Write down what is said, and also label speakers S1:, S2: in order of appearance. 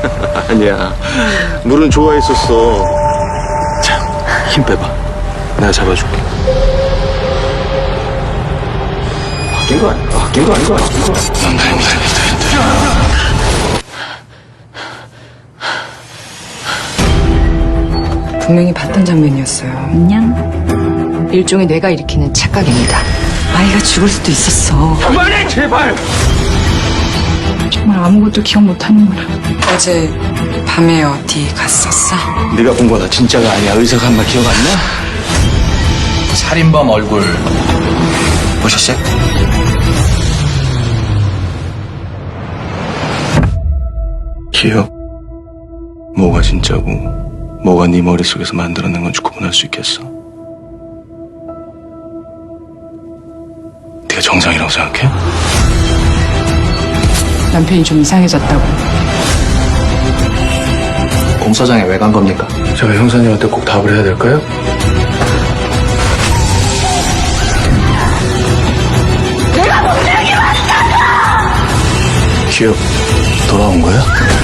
S1: 아니야. 물은 좋아했었어. 자, 힘 빼봐. 내가 잡아줄게. 바뀐 거 아니야? 바뀐 거 아닌 거 아니야?
S2: 분명히 봤던 장면이었어요.
S3: 안녕.
S2: 일종의 뇌가 일으키는 착각입니다. 아이가 죽을 수도 있었어.
S1: 그만해, 제발!
S3: 정말 아무것도 기억 못하는구나.
S2: 어제 밤에 어디 갔었어?
S1: 네가 본 거다 진짜가 아니야. 의사가 한 말 기억 안 나?
S4: 살인범 얼굴 보셨어요?
S1: 기억? 뭐가 진짜고 뭐가 네 머릿속에서 만들어낸 건지 구분할 수 있겠어? 네가 정상이라고 생각해?
S2: 남편이 좀 이상해졌다고.
S4: 공사장에 왜 간 겁니까?
S1: 제가 형사님한테 꼭 답을 해야 될까요? 내가 분명히 왔다고! 기억 돌아온 거야?